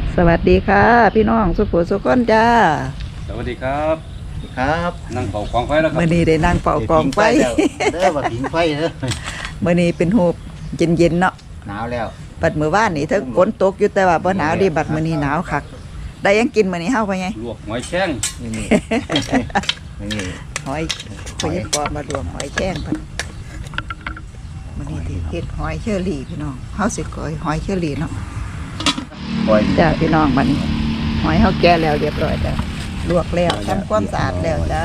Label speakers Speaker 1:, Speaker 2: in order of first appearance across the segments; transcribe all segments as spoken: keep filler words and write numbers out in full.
Speaker 1: สวัสดีค่ะพี่น้องสุขุสุขคนจ้า
Speaker 2: สวัสดีครับ
Speaker 3: ครับ
Speaker 2: นั่งเป่ากองไฟแล้วครับ
Speaker 1: เมื่อนี้ได้นั่งเป่ากองไฟ
Speaker 3: เด้อว่าผิงไฟเด้อ
Speaker 1: เมื่อนี้เป็นหูบเย็นๆเนาะ
Speaker 3: หนาวแล้ว
Speaker 1: บัดมื้อวานนี่เธอฝนตกอยู่แต่ว่าบ่หนาวดิบัดมื้อนี้หนาวคักได้ยังกินมื้อนี้เฮาไปไง
Speaker 2: ลวกหอยแข้ง
Speaker 3: นี่นี่นี่
Speaker 1: หอยเพิ่นปอมารวมหอยแข้งเพิ่นมื้อนี้ที่เฮ็ดหอยเชอรี่พี่น้องเฮาสิก้อยหอยเชอรี่เนาะ
Speaker 3: ปล่อย
Speaker 1: จ้าพี่น้องบัดนี้หอยเฮาแก่แล้วเรียบร้อยจ้ะลวกแล้วทำความสะอาดแล้วจ้า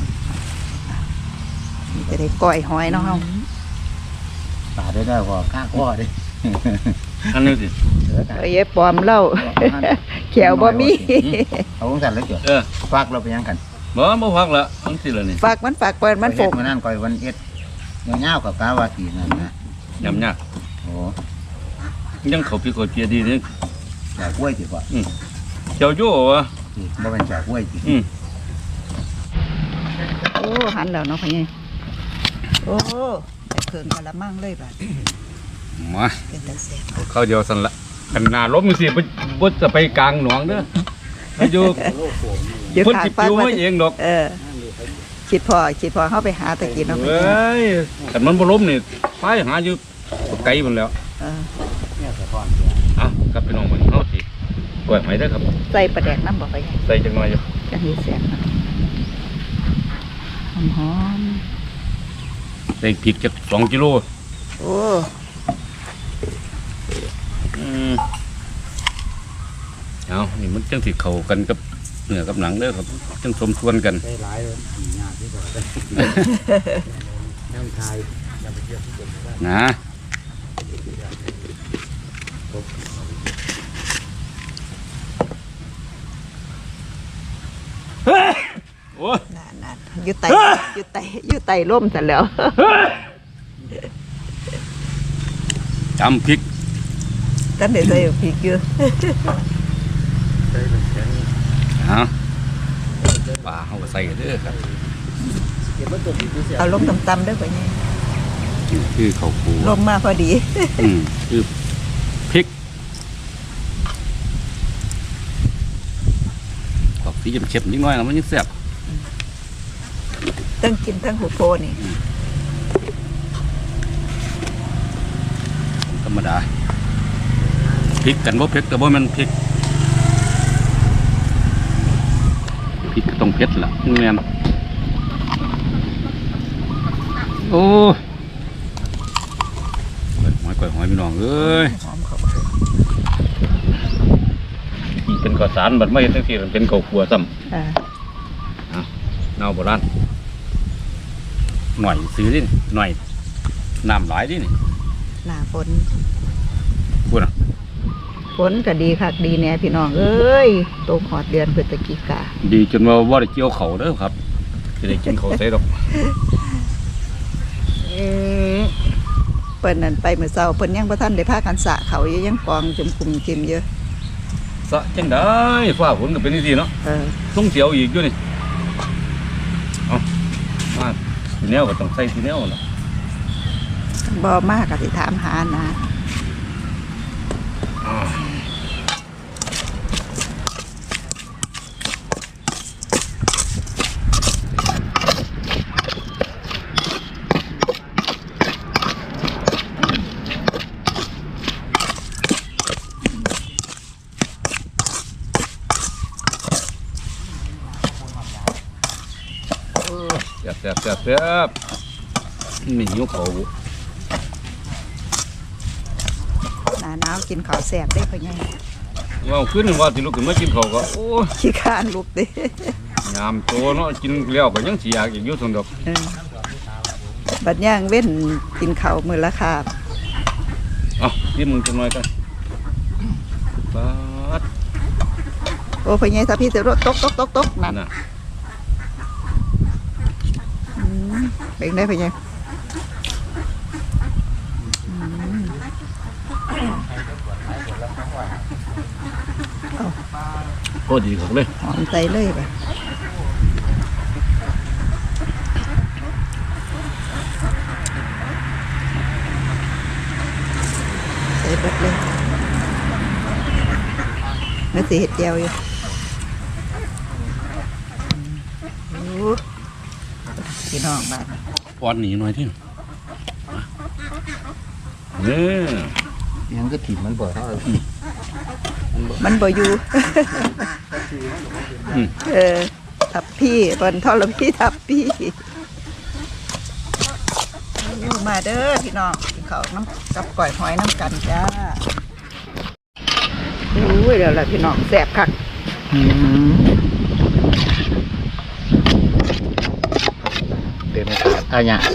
Speaker 1: นี่จะได้ก้อยหอยเนาะเฮา
Speaker 3: ปาได้ได้พอข้างข้อดิ
Speaker 2: อันนี้สิ
Speaker 1: เอ้ยปอมเล่าแขวบ่มี
Speaker 3: เอาของสั่นแล้วจ้ะ
Speaker 2: เออ
Speaker 3: ฟักเราไปยังกัน
Speaker 2: บ่บ่ฟักละอันสิละนี่
Speaker 1: ฝากมันฝากเปิดมันฝก
Speaker 3: มันนั่นก่อยวันเอ็ดเงาๆกับกาวาสีนั่นนะ
Speaker 2: ยำยาก
Speaker 3: โอ้
Speaker 2: ยังเขาพี่เขาเจียดีนี่
Speaker 3: จากกล้วยสิพ่อ
Speaker 2: อืมเจ้าโย่วะ
Speaker 3: บ่เป็นจากกล้วยสิ
Speaker 2: อืม
Speaker 1: โอ้หันแล้วเนาะพ่อใหญ่โอ้แต่เพิ่งกะละมังเลยบัด
Speaker 2: มา
Speaker 1: เป็นตาแซ่บ
Speaker 2: เข้าเดียวสั่นละกันนาล้มสิบ่บ่จะไปกลางหนองเด้ออยู่เพิ่นสิปิวมาเองดอก
Speaker 1: เออคิดพอคิดพอเฮาไปหาตะกี้เนาะ
Speaker 2: เอ้ยคันมันบ่ล้มนี่ไปหาอยู่ไกลพุ่นแล้ว
Speaker 1: เออ
Speaker 2: อ่ะครับพี่น้องมื้อนี้เฮาสิกล้วยหอยเด้อครับ
Speaker 1: ใส่ปลาแดกน้ำบ่พ่อใหญ่
Speaker 2: ใส่จังหน่อยอยู่
Speaker 1: จังสิแซ่บเนาะหอม
Speaker 2: ใส่พริกจักสองกิโล
Speaker 1: โอ้
Speaker 2: อืมเอานี่มันจังสิเข้ากันกับเนื้อกับหนังเด้อครับจังสมส่วนกัน
Speaker 3: ใส่หลายเลยยากที่สุดน้ำไทย
Speaker 2: นะโอ้
Speaker 1: นั่นๆอยู่ไตอยู่ไตอยู่ไตร่มซะแล้ว
Speaker 2: จำพริก
Speaker 1: ตั้งแต่ใส่พริกอยู่
Speaker 2: ฮะปลาเขาก็ใส่เด้อครับ
Speaker 1: เอาลงต่ำๆเด้อพ่อใหญ่
Speaker 2: คือข้าวปู
Speaker 1: ลงมาพอดี
Speaker 2: อืมคือพริกออกสีเข็มๆนิดหน่อยนะมันยังแซ่บ
Speaker 1: ตั้งกินทั้งหัวโพนี่
Speaker 2: ธรรมดาพริกกันบ่เผ็ดแต่บ่มันพริกพริกก็ต้องเผ็ดล่ะแม่นโอ้หอยกล้วยหอยพี่น้องเอ้ยนี่เป็นข้าวสารบัดไม่เห็นจังซี่มันเป็นข้าวคั่วซ้ำอ่าอ่ะเนาโบราณหน่อยซื้อดิหน่อยน้ำหลายดินี่
Speaker 1: หน้าฝน
Speaker 2: พูดอ่ะ
Speaker 1: ฝนก็ดีคักดีแน่พี่น้องเอ้ยตกหอดเดือนพฤศจิกา
Speaker 2: ดีจนว่าว่าได้เกี่ยวเขาเด้อครับจะได้กินเขาใส่ดอก
Speaker 1: เปิ้นนั่นไปเมื่อเช้าเปิ้นยังบ่ทันได้พากันสระเขาอยู่ยังกองจุ่มคุมจิมเยอะ
Speaker 2: สะจังได้ฟ้าฝนก็เป็นนี่สิเนาะ
Speaker 1: เออ
Speaker 2: ต้องเสียวอีกอยู่นี่เอามาทีแนวก็ต้องใส่ทีแนวล่ะ
Speaker 1: บ่มากก็สิถามหานะ
Speaker 2: แซ่บแซ่บแซ่บนี่หิวเขา
Speaker 1: หน้าหนาวกินข้าวแซ่บได้พ่อใหญ่
Speaker 2: ว่าขึ้นว่าสิลุกขึ้นมากินข้าวก็โอ้
Speaker 1: ขี้คร้านลุกเด้
Speaker 2: ยามโตเนาะกินแล้วก็ยังสิอยากอีกอยู่ซั่นดอก
Speaker 1: บัดย่างเว้นกินข้าวมื้อละคาบ
Speaker 2: เอ้านี่มึงจังหน่อยกันบาด
Speaker 1: โอ้พ่อใหญ่ถ้าพี่สิรถตกตกๆๆนั่นน่ะเป็นได้พ่อใหญ่
Speaker 2: โอ้ดีของเลย
Speaker 1: หอมใจเลยป่ะใส่เบิดเลยมื่อสิเห็ดแก้วอยู่โอ้พี่น้องบ้าน
Speaker 2: ป้อนหนีหน่อยที่เนี่ย
Speaker 3: ยังก็ถิ่มมันบ่เท่า
Speaker 1: มันบ่อยู่
Speaker 2: อืม
Speaker 1: เออทับพี่บนทอลพี่ทับพี่มาเด้อพี่น้องกินข้าวน้ำกับก่อยหอยน้ำกันจ้าโอ้ยเดี๋ยวละพี่น้องแสบคัก
Speaker 3: เต็มถาดอะไรเนี่ย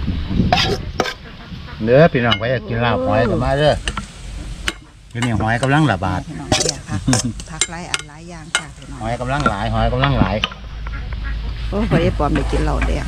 Speaker 3: เนื้อพี่น้องไปอยากกินลาบหอยก็มาเด้อคือนี่หอยกำลังระบาด
Speaker 1: พี่น้องเนี่ยพักพักไล่อันหลายอย่างค่ะพี่น้อง
Speaker 3: หอยกำลังหลายหอยกำลังหลาย
Speaker 1: โอ้พอได้ปลอมได้กินเหล้าแดง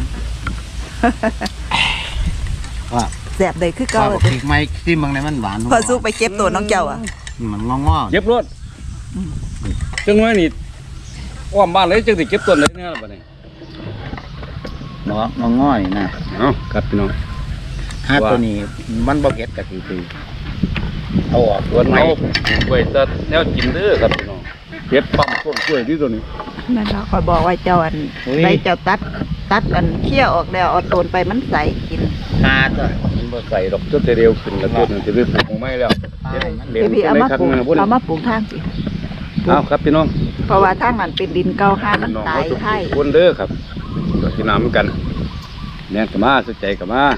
Speaker 3: ว่า
Speaker 1: แสบเลยคือ
Speaker 3: ข้า
Speaker 1: เก่าว
Speaker 3: พริกไม้ที่เมืองในมันหวาน
Speaker 1: พอสู้ไปเก็บตัวน้องเจ้าอ่ะ
Speaker 3: มันงองๆ
Speaker 2: เก็บรถจังไว้นี่อ้อมบ้านเลยจังสิเก็บต้นเลยเนี่ยบัดนี้
Speaker 3: เนาะงอๆนี่นะ
Speaker 2: เอาครับพี่น้อง
Speaker 3: ฮาตัวนี้มันบ่เผ็ดกะทิคือเอาออก
Speaker 2: ส่วนเอากล้วยจะแนวกินเด้อครับพี่น้องเก็บปั๊มต้นกล้วยที่ตัวนี้
Speaker 1: นั่นเราคอยบอกว่าเจ้าอันไปเจ้าตัดตัดอันเคี่ยวออกแล้วเอาต้นไปมันใส่กิน
Speaker 3: คาตัว
Speaker 2: มันบ่ใส่ดอกจนจะเร็วขึ้นแล้วต้นมันจะได้ปลูกไม่แล้วเฮ็ดเลี้ยง
Speaker 1: พี่พี่เอามาปลูก
Speaker 2: ในคันมือพุ่น
Speaker 1: เอามาปลูกทางสิ
Speaker 2: เอาครับพี่น้อง
Speaker 1: เพราะว่าทางนั้นเป็นดินเก่าห้ามัน
Speaker 2: น้อง
Speaker 1: ตาย
Speaker 2: เขาทุก
Speaker 1: ไข่
Speaker 2: คนเด้อครับก็กินน้ำเหมือนกันแน่นกับมาสนใจกับมา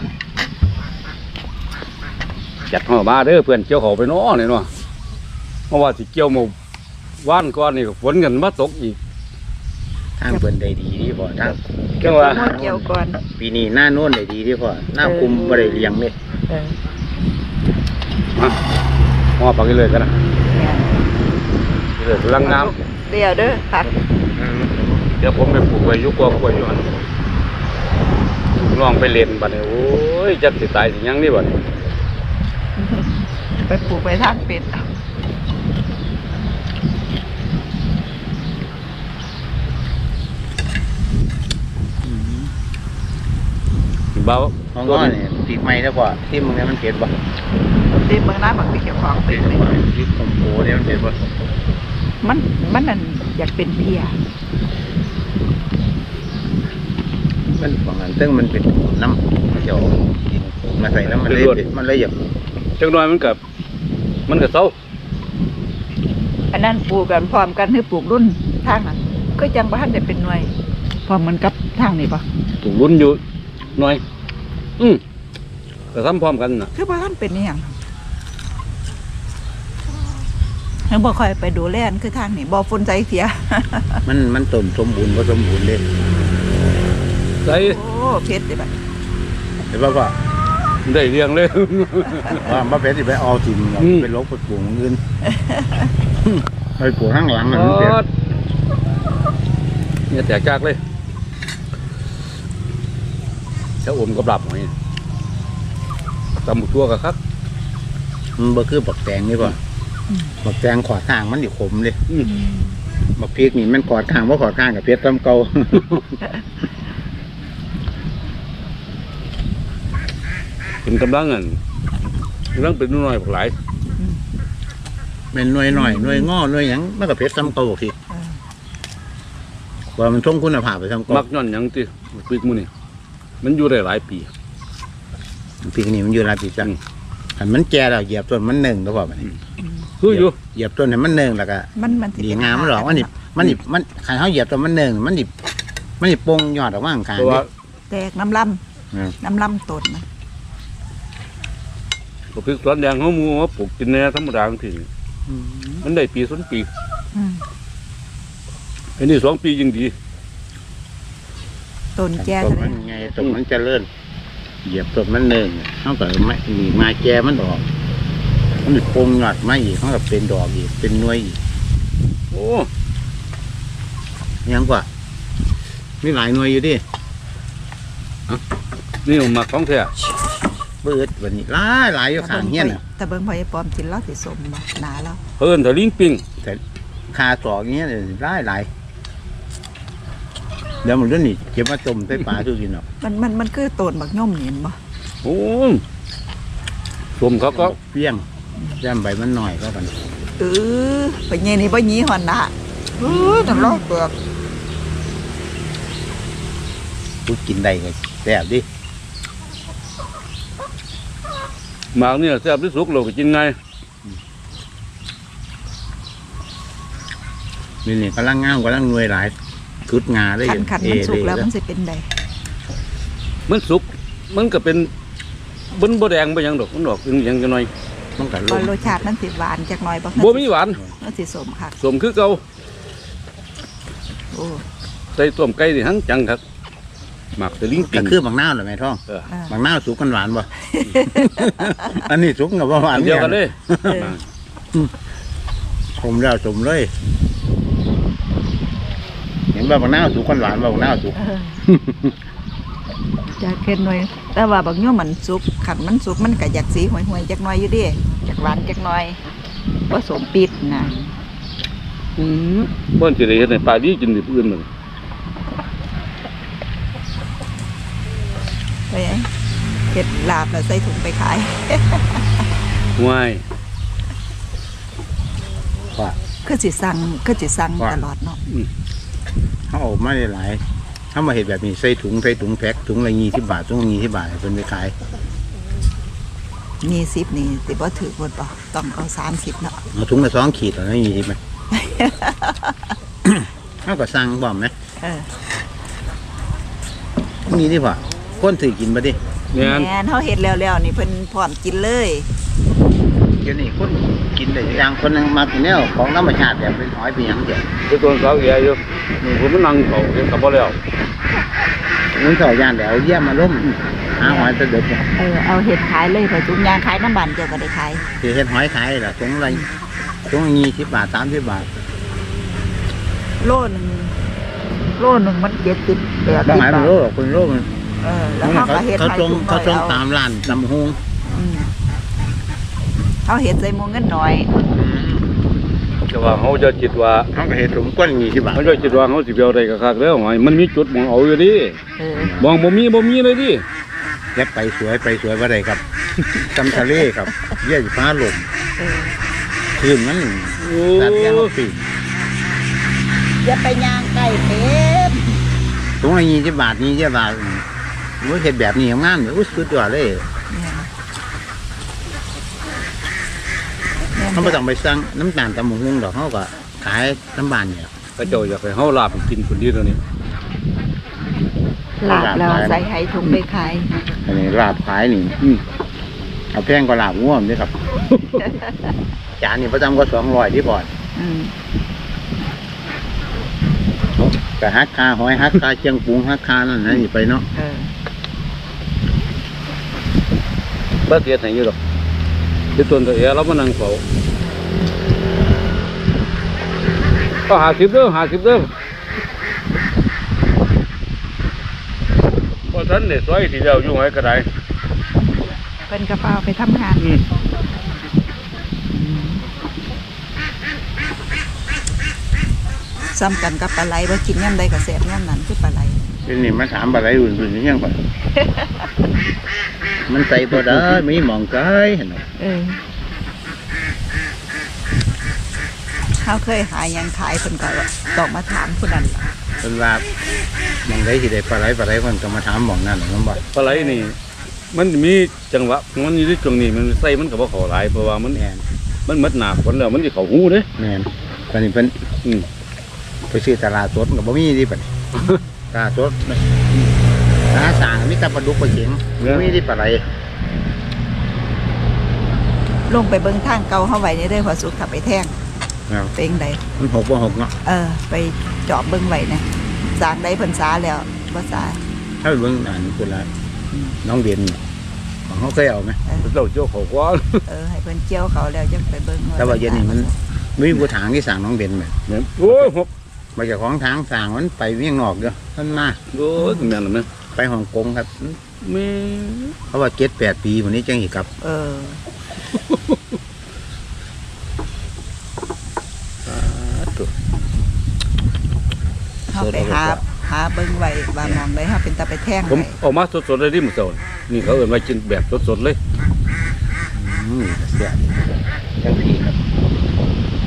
Speaker 2: จัดห่อมาเด้อเพื่อนเกี่ยวเขาไปเน้อเนี่ยเนาะเพราะว่าสิเกี่ยวหมู่ว่านก้อนนี่ก็ฝนกันมาตกอีก
Speaker 3: ทางเพิ่นได้ดีดีพอทาง
Speaker 2: จังว่า
Speaker 1: หัวเกี่ยวก่อน
Speaker 3: ปีนี้หน้าโน้นได้ดีดีพอหน้าคุมบ่ได้เลี้ยงเลย
Speaker 1: เออ
Speaker 2: มาห่อปักกันเลยกันนะ
Speaker 1: เนี่ย
Speaker 2: นี่เลยกำลังน้
Speaker 1: เดี๋ยวเด้อค่ะ
Speaker 2: ำเดี๋ยวผมไปปลูกไว้อยุกกล้วยอยู่อันลองไปเล่นบัดนี้โอ้ยจักสิตายสิหยังนี่บัดนี้
Speaker 1: ไปปลูกไปทางเป็ดเอา
Speaker 2: เบา
Speaker 3: ของง้อนี่ปีกไม้แล้วพอที่เมืองนี้มันเผ็ดบ่
Speaker 1: ตีเมืองน้ำบักไปเกี่ยวของเป็ดเลย
Speaker 3: ที่คอมโพเนี่ยมันเผ็ดบ่
Speaker 1: มันมันนั่นอยากเป็นเพีย
Speaker 3: มันของอันซึ่งมันเป็นน้ำเจียวมาใส่น้ำมันเลยเผ็ดมันเลยหยับ
Speaker 2: จังน้อยมันกับมันกับเศร้า
Speaker 1: อันนั้นปลูกกันพร้อมกันให้ปลูกรุ่นทางนั้นก็จังบ้านได้เป็นหน่วยพร้อมเหมือนกับทางนี้ปะ
Speaker 2: ถูกลุ้นอยู่หน่อย อืมก็ทำพร้อมกันนะ
Speaker 1: คือบ้านเป็นนี่อย่างเห็นบอกคอยไปดูแลนคือทางนี้บ่อฝนใจเสีย
Speaker 3: มันมันต้มสมบูรณ์บ่สมบูรณ์เลย
Speaker 2: ใส่
Speaker 1: โอ้เพชรเลยแบบ
Speaker 3: เห็นป่ะพ่อ
Speaker 2: ได้เรียงเลย
Speaker 3: ว่ามาเผ็ดสิไปเอาถิ่ม
Speaker 2: อืม
Speaker 3: ไปลกไปปลูกอื่นไปปลูกข้างหลังมันเผ็ด
Speaker 2: เนี่ยแตกจากเลยถ้าอมกับหลับหน่อยตำหมูตัวกับคัก
Speaker 3: มันบ่คือบักแตงนี่ป่ะบักแตงขอดข้างมันอยู่ขมเลย
Speaker 2: อืม
Speaker 3: บักพริกนี่มันขอดข้างว่าขอดข้างกับเผ็ดซ้ำเก่า
Speaker 2: เป็นกำลังเงินกำลังเป็นน้อยๆพวกหลาย
Speaker 3: เป็นหน่วยหน่อยหน่วยงอหน่วยหยังมันกับเผ็ดซ้ำเก่าบักพริกว่ามันท่งคุณภาพไปซ้ำเก่า
Speaker 2: มักย้อนหยังติปีกมือนี่มันอยู่ได้หลายปี
Speaker 3: พริกนี่มันอยู่หลายปีจัง
Speaker 2: อืม
Speaker 3: อันมันแก่แล้วเหยียบต้นมันหนึ่งแล้วพ่อมัน
Speaker 2: คืออยู่
Speaker 3: เหยียบต้นให้มันหนึ่งแล้วก็
Speaker 1: มันมัน
Speaker 3: ดีงามมันหรอกมันนี่มันนี่มันขันเขาเหยียบต้นมันหนึ่งมันนี่มันนี่ปงยอดออกมาข้าง
Speaker 2: เพราะ
Speaker 3: ๆ
Speaker 2: ว่า
Speaker 3: นี่
Speaker 1: แตกน้ำล
Speaker 3: อืม
Speaker 1: ำน้ำลำต้นมัน
Speaker 2: พวกพริกสวนแดงเขามูว่าปลูกกินแน่ธรรมดาทีมันได้ปีสองปี
Speaker 1: อืม
Speaker 2: อันนี้สองปียิ่งดี
Speaker 1: ต้นแก่
Speaker 3: ต้
Speaker 1: ก็
Speaker 3: น
Speaker 1: ได้
Speaker 3: มันไงต้นมันเจริญเหยียบต้นมันหนึ่งเขาก็ไม่มีมาแก่มันออกมันนี่ปงยอดมาอีกเขาก็เป็นดอกอีกเป็นหน่วยอีก
Speaker 2: โอ้
Speaker 3: ยังกว่ามีหลายหน่วยอยู่ดิ
Speaker 2: นี่ผมมาของแท้
Speaker 3: เบิดวันนี้หลายหลายอยู่ข้างเงี้ยน่ะ
Speaker 1: แต่เบิ่งพอยายปลอมกินแล้วสิสมบ่หนาแล้ว
Speaker 2: เพิ่นถ้าลิงปิง
Speaker 3: คาสอกเงี้ยเลยหลายหลายเดี๋ยวมันเรื่องนี้เก็บมาต้มใส่ปลาทุกทีเนาะ
Speaker 1: มันมันมันคือต้นบักย่อมเห็นบ่
Speaker 2: โอ้สมเขาก็
Speaker 3: เปี้ยงย่ำใบมันหน่อยก็กัน
Speaker 1: เออไปเงี้ยนี่บ่หยีหอนนะเออน้ำลอกเปลือก
Speaker 3: กูกินได้ก็แซ่บดิ
Speaker 2: หมากเนี่ยแซ่บที่สุดเราก็กินไง
Speaker 3: นี่นี่กำลังงามกำลังหน่วยหลายชุดงาได้
Speaker 1: ขันขันมันสุกแล้ว
Speaker 3: เอ
Speaker 1: มันสิเป็นใด
Speaker 2: มันสุกมันก็เป็นบนบ่แดงบ่หยังดอกมันดอกเป็นหยังจังหน่อย
Speaker 3: ต้องกันล
Speaker 1: ว่าง รสชาติมันสิหวานจักหน่อยบ่
Speaker 2: บ่มีหวาน
Speaker 1: มันสิสมค่ะ
Speaker 2: สมคือเก่า
Speaker 1: โอ้
Speaker 2: ใส่ต้มไก่นี่หังจังครับหมักตะลิงปิ
Speaker 3: ก็
Speaker 2: ง
Speaker 3: คือบางนาวเหรอแม่ท้อง
Speaker 2: เออ
Speaker 1: อ่า
Speaker 3: บางนาวสุกกันหวานบ่ อันนี้สุกกับว่าหวา
Speaker 2: อั
Speaker 3: น
Speaker 2: นเดียวกันเลย
Speaker 1: เออ
Speaker 3: ผมแล้วสมเลย เห็นว่าบางนาวสุกกันหวานบ่บางนาวสุก
Speaker 1: เออจะเค็มหน่อย แต่ว่าบางโยมมันสุกขันมันสุกมันก็อยากสีห่วยๆจักหน่อยอยู่เดิจักหวานจักหน่อยผสมปิดนะ
Speaker 2: อืมบ่สิได้เฮ็ดให้ปลาดีกินดิบอื่นมัน
Speaker 1: ไปเฮ็ดลาบแล้วใส่ถุงไปขาย
Speaker 2: ง่าย
Speaker 3: ว่า
Speaker 1: คือสิสั่งคือสิสั่ง
Speaker 3: ว่า
Speaker 1: ตลอดเนาะ
Speaker 3: เขาเอามาได้หลายถ้ามาเห็นแบบนี้ใส่ถุงใส่ถุงแพ็คถุงละยี่สิบบาทถุงละยี่สิบบาทให้เป็นไปขาย
Speaker 1: มีสิบนี่สิบ่ถือหมดป่ะต้องเอาสามสิบเนาะ
Speaker 3: เอาถุงละสองขีดแล้วนะยี่สิบไหม เขาก็สั่งบ่อมไหม
Speaker 1: เออ
Speaker 3: นี่ดิพ่อคนถือกินมาดิ
Speaker 2: แม่น
Speaker 1: แม่นเฮาเฮ็ดแล้วๆนี่เพิ่นพร้อมกินเลย
Speaker 3: เดี๋ยวนี้คนกินได้อย่างคนหนึงมากินแนวของธรรมชาติแบบเป็นหอยเป็นหยังเดียว
Speaker 2: คือตัวสาวแก่อยู่นี่ผมมันนั่งเฝ้าเฮ็ดก็บ่แล้ว
Speaker 3: มันเข่าย่านแล้วเยี่ยมมาล้มหาหอยตะเด็ดเนี่ย
Speaker 1: เออเอาเฮ็ดขายเลยพอจุงยางขายน้ำบานเจ้าก็ได้ขาย
Speaker 3: สิเฮ็ดหอยขายล่ะถุงละถุงละยี่สิบบาทสามสิบบาท
Speaker 1: โลหนึงโลหนึงมันเจ็ดสิบแปด
Speaker 3: บ่
Speaker 1: สิบ
Speaker 3: หายมัน
Speaker 1: บาท
Speaker 3: โลหรอกคนโลมัน
Speaker 1: เออแล้วเขาก็เฮ็ด
Speaker 3: เขา
Speaker 1: ให้
Speaker 3: ตรง
Speaker 1: ถุง
Speaker 3: เขาตรง
Speaker 1: น้อย
Speaker 3: ตามร้านตำฮง
Speaker 1: อืมเขาเฮ็ดใส่หมูเงินน้อย
Speaker 2: แต่ว่าเฮาจะคิดว่า
Speaker 3: เขาก็เฮ็ดถุงก้นยี่สิบบาท
Speaker 2: เฮาจะคิดว่าเฮาสิไปเอาได้ก็คักแล้วหอยมันมีจุดมองเอาอยู่ดิ
Speaker 1: เออ
Speaker 2: มองบ่มีบ่มีเลยดิ
Speaker 3: แล้วไปสวยไปสวยว่าไรครับ จำทะเลครับเยี่ยฟ้าลม
Speaker 1: เออ
Speaker 3: คืนมัน
Speaker 2: โอ้
Speaker 3: ตัดยังปีน
Speaker 1: อย่าไปย่างไก่เป็ด
Speaker 3: ถุงละยี่สิบบาทยี่สิบบาทโอ้ยเห็ดแบบนี้งามเลยอุ้ยสุดยอดเลย
Speaker 1: เนี่ย
Speaker 3: เขาไม่ต้องไปสั่งน้ำตาลตำมุงดอกเขาก็ขายน้ำบานเนี่ย
Speaker 2: เขาเจ้าอยากให้เฮาลาบกินคนเดียวเท่านี้
Speaker 1: ลาบแล้วใส่ไห้ถุงไปขาย
Speaker 3: อันนี้ลาบขายนี่
Speaker 2: อืม
Speaker 3: เอาแพงกว่าลาบง่วมด้วยครับ จานนี้ประจำก็สองร้อยที่บ่อน
Speaker 1: อืม
Speaker 3: แต่ฮักคาหอยฮักคาเชียงปุงฮักคานั่นนะนี่ไปเนาะ
Speaker 1: เออ
Speaker 2: บ่เสียให้อยู่ดอกที่ต้นตัวเอเรามานั่งเฝ้าก็ห้าสิบเด้อห้าสิบเด้อพอท่านเนี่ยซอยที่เดียวอยู่ไหนก็ได้
Speaker 1: เป็นกระเป๋าไปทำงาน
Speaker 2: อืม
Speaker 1: ซ้ำกันกับปลาไหลว่ากินย่ำใดกับแสบย่ำนั้นคือปลาไหล
Speaker 3: ทีนี้มาถามอะไรอื่นๆยังก่อน มันใส่บ่ได้มีหมองไก่เห็นไหม
Speaker 1: เออเขาเคยหาหยังขายคนก็ต้องมาถามคนนั้นล่ะ
Speaker 3: เป็นว่าหมองไก่ที่ได้ปลาไหลปลาไหลคนก็มาถามหมองนั่นหรอกน้องบ่
Speaker 2: ปลาไหลนี่ มันมีจังหวะมันอยู่ที่ช่วงนี้มันใส่มันก็บ่เข้าหลายเพราะว่ามัน
Speaker 3: แอน
Speaker 2: มันหมดหนาฝนแล้วมันสิเข้าหูเด้
Speaker 3: แมนตอนนี้เป็น
Speaker 2: อืม
Speaker 3: ไปซื้อตลาดสดกับบ่มีที่เป็นตลาดสดตลาดสางมีแต่ปลาดุกปลาเข็งบ่มีที่ปลาไหล
Speaker 1: ลงไปเบิ้งทางเก่าเข้าไว้ในเรื่องพอสุขขับไปแท่ง
Speaker 3: ครับ
Speaker 1: เป็นได
Speaker 3: มันหกบ่หกเนาะ
Speaker 1: เออ ไปจอบเบิ้งไว้นะสร้างได้เพิ่นสาแล้วบ่สา
Speaker 3: ถ้าไปเบิ่งอันคนละน้องเบียนของเขาเคยเอาไหม
Speaker 2: เจ้าเจ้าเขากว่า
Speaker 1: เออให้เพิ่นเจียวเขาแล้วจังไปเบิ้ง
Speaker 3: แต่ว่าเย็นนี่มันมีผู้ถางที่สั่งน้องเบียนไหม
Speaker 2: เนี่ยโอ้ยหก
Speaker 3: มาจากของทางสั่งมันไปเวียงนอกเด้อท่านมา
Speaker 2: โอ้ยแม่นแล้วแม่
Speaker 3: ไปฮ่องกงครับ
Speaker 2: แม่
Speaker 3: เพราะว่าเจ็ดแปดปีวันนี้จังอีกครับ
Speaker 1: เออเขาไปหาหาเบิ้งไว้ว่ามองได้เฮาเป็นตาไปแท่ง
Speaker 2: ผม
Speaker 1: ไว้
Speaker 2: เออกมาสดๆเลยดิมื้อเช้านี่เขาเอิ้นว่ากินแบบสดๆเลย
Speaker 3: อืมเสียจังสีครับ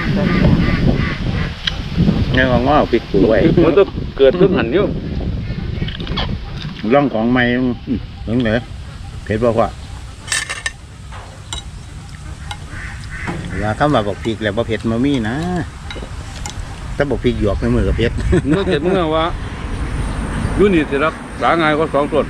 Speaker 3: เนี่ยก็ง้อพริกปูไว้
Speaker 2: มันต้องเกิดขึ้นหันอยู่
Speaker 3: ร่องของไม้ถึงไหนเผ็ดบ่กว่าเวลาคำว่าบอกพริกแล้วบ่เผ็ดมามีนะถ้าบอกพริกหยวกในมือกับเผ็ด
Speaker 2: เมื่อเกิดเมื่อว่าอยู่นี่สิรักษาง่ายก็สองต้น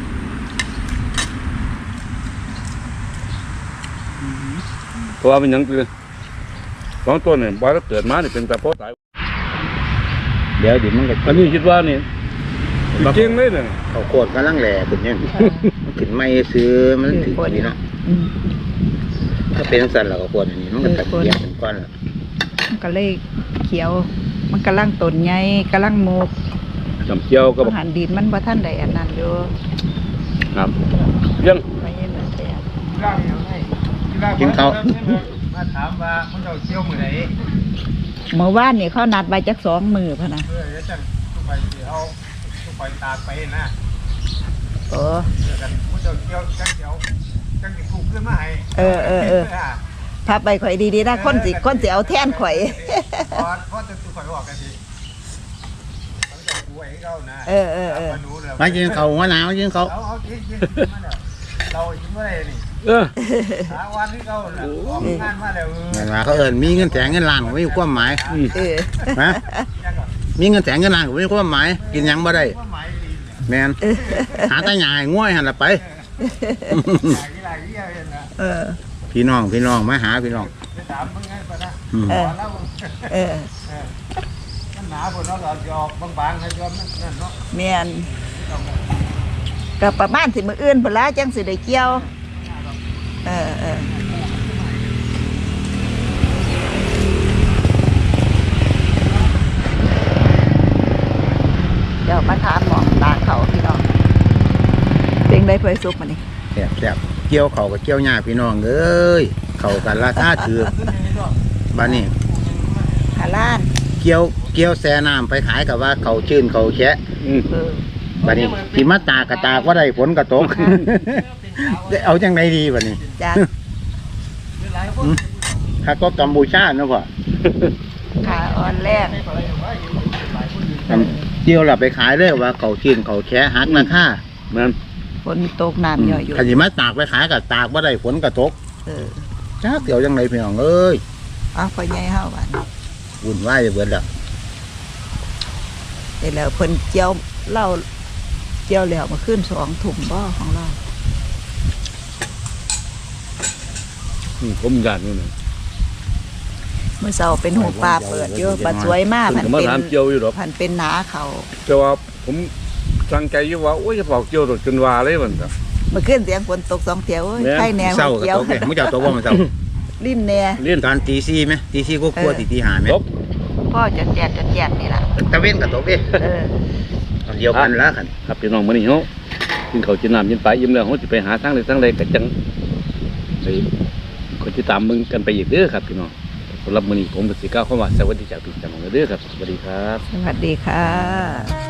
Speaker 2: เพราะว่ามันหยังคือสองต้นเนี่ยบ่อยแล้วเกิดมานี่เป็นแต่เพราะตาย
Speaker 3: เดี๋ยวเดี๋ยวมันก็
Speaker 2: อันนี้คิดว่านี่จริงเลยเนี่ย
Speaker 3: เขาโคตรกำลังแหล่ขึ้นเนี่ยมันขึ้นไม่ซื้อมันถึงดีเนาะ
Speaker 1: อืม
Speaker 3: ถ้าเป็นสันเราก็โคตรอันนี้มันก็ตัดเกียบเป็นก้อนละ
Speaker 1: มันก็เลยเขียว มันกำลังต้นใหญ่กำลังโมก
Speaker 2: จำเจียวก็บอก
Speaker 1: อาหารดินมันบ่ทันได้อันนั้นอยู่
Speaker 2: ครับยัง
Speaker 1: ไม่เห็นเลยแต่
Speaker 3: กินข้าว
Speaker 4: มาถามว่ามันเอาเชี่ยวมือไหน
Speaker 1: เมื่อวานนี่เขานัดไว้จักสองมือพะนะ
Speaker 4: เออเดี๋ยวจังทุกไปสิเอาทุกไปตากไปนะ
Speaker 1: โอ้
Speaker 4: เดี๋ยวกันมันเอาเชี่ยวจังเดี๋ยวจังสิถูกขึ้นมาให้
Speaker 1: เออเออเออพับไปข่อยดีๆนะคนสิคนสิเอาแท่นข่อย
Speaker 4: พอพอจะถูกข่อยบอกกันสิมันจะกูไอ้เขานะ
Speaker 1: เออเออเออ
Speaker 4: มาดูเลย
Speaker 3: มากินเขาหัวหนาวกินเขา
Speaker 4: เอาเอากินกินมาแล้วเรากินไม่ได้นี่
Speaker 2: เออ
Speaker 4: หาวันที่เขาน่ะออกงานมาแล้วเออ
Speaker 3: เห็นว่าเขาเอิญมีเงินแสนเงินล้านก็ไม่มีความหมาย
Speaker 1: เออ
Speaker 3: นะ
Speaker 4: ยังก่อน
Speaker 3: มีเงินแสนเงินล้านก็ไม่มีความหมาย กินหยังบ่ได้
Speaker 4: ว่าหมายดีเนี่ย
Speaker 3: แมนหาตาหยายง่วยหันละไป
Speaker 4: หลายที่หลายที่เห็นนะ
Speaker 1: เออ
Speaker 3: พี่น้องพี่น้องมาหาพี่น้อง
Speaker 4: จะถามมึงไงปะนะ
Speaker 3: อืม
Speaker 1: เออ
Speaker 4: แล้ว
Speaker 1: เออ
Speaker 4: เออมันหนาบนเนาะเราจะออกบางๆให้ยอมนั่นเนาะ
Speaker 1: แม่นก็ประมาณสิมื้ออื่นพุ่นละจังสิได้เกี่ยว เออเออเดี๋ยวมาถามหมองตาเขาพี่น้องเป็นได้เผยซุปมานี่
Speaker 3: แซ่บแซ่บเกี่ยวเขากับเกี่ยวหญ้าพี่น้องเอ้ยเขากันราคาถือบ้านนี้
Speaker 1: หาล้าน
Speaker 3: เกี่ยวเกี่ยวแซ่น้ำไปขายกับว่าเขาชื่นเขาแฉะ
Speaker 2: อืม
Speaker 1: เออ
Speaker 3: บ้านนี้ที่มาตากกระตากว่าได้ฝนกระตก ได้เอาจังไดดีบ้านนี้
Speaker 1: จ้า
Speaker 3: อืมถ้าก็กัมพูชาเนาะพ่อ
Speaker 1: ขาอ่อนแรก
Speaker 3: อันเกี่ยวเราไปขายเลยว่าเขาชื่นเขาแฉะหักราคา
Speaker 2: นั่น
Speaker 1: ฝนตกน้ำย่อยอยู่
Speaker 3: ขันสิมาตากไปขายกับตากว่าได้ฝนกระตก
Speaker 1: เออ
Speaker 3: จ้าเกี่ยวจังไดพี่น้องเอ้ย
Speaker 1: เอาไปใหญ่เฮาบ้าน
Speaker 3: วุ่นวายจะเบิดแล้ว
Speaker 1: เดี๋ยวแล้วเพิ่นเจียวเหล้าเจียวแล้วมาขึ้นสองถุ่มบ่ของเรา
Speaker 2: อืมผมอยากนี่นะ
Speaker 1: เมื่อเช้าเป็นหูปลาเปิดอยู่บัดสวยมาก
Speaker 2: ผม
Speaker 1: พัน
Speaker 2: ก็มา
Speaker 1: เป็น
Speaker 2: ถามเจียวอยู่หรอก
Speaker 1: พันเป็นหนาเขา
Speaker 2: แต่ว่าผมตั้งใจอยู่ว่าโอ้ยจะเผาเจียวรถจนว่าเลยมันครับ
Speaker 1: เมื่อคืนเสียงฝนตกสองเที่ยวโอ้ย
Speaker 2: แม่น
Speaker 1: ไข่แหนว
Speaker 3: เศร้ากระ
Speaker 1: เจียว
Speaker 3: ตกเลยมึงจะเอาตัวบ่มาเศร้า
Speaker 1: ลิ้นแหน่
Speaker 2: เล่น
Speaker 3: ตอนตีสี่ไหมตีสี่ก็กลัวตีตีหาไหม
Speaker 2: จบ
Speaker 1: พ่อจะแจดจะแจดนี่ล่ะ
Speaker 3: ตะเว้นกระตกเด้
Speaker 1: เออ
Speaker 3: อันเดียวกันละกัน
Speaker 2: ครับพี่น้องมื้อนี้เฮากินข้าวกินน้ำกินไปยิ้มแล้วเฮาสิไปหาทางใดทางใดก็จังไปคนที่ตามมึงกันไปอีกเด้อครับพี่น้องสำหรับมื้อนี้ผมก็สิกล่าวคำว่าสวัสดีจากพี่จากน้องเด้อครับสวัสดีครับ
Speaker 1: สวัสดีค่ะ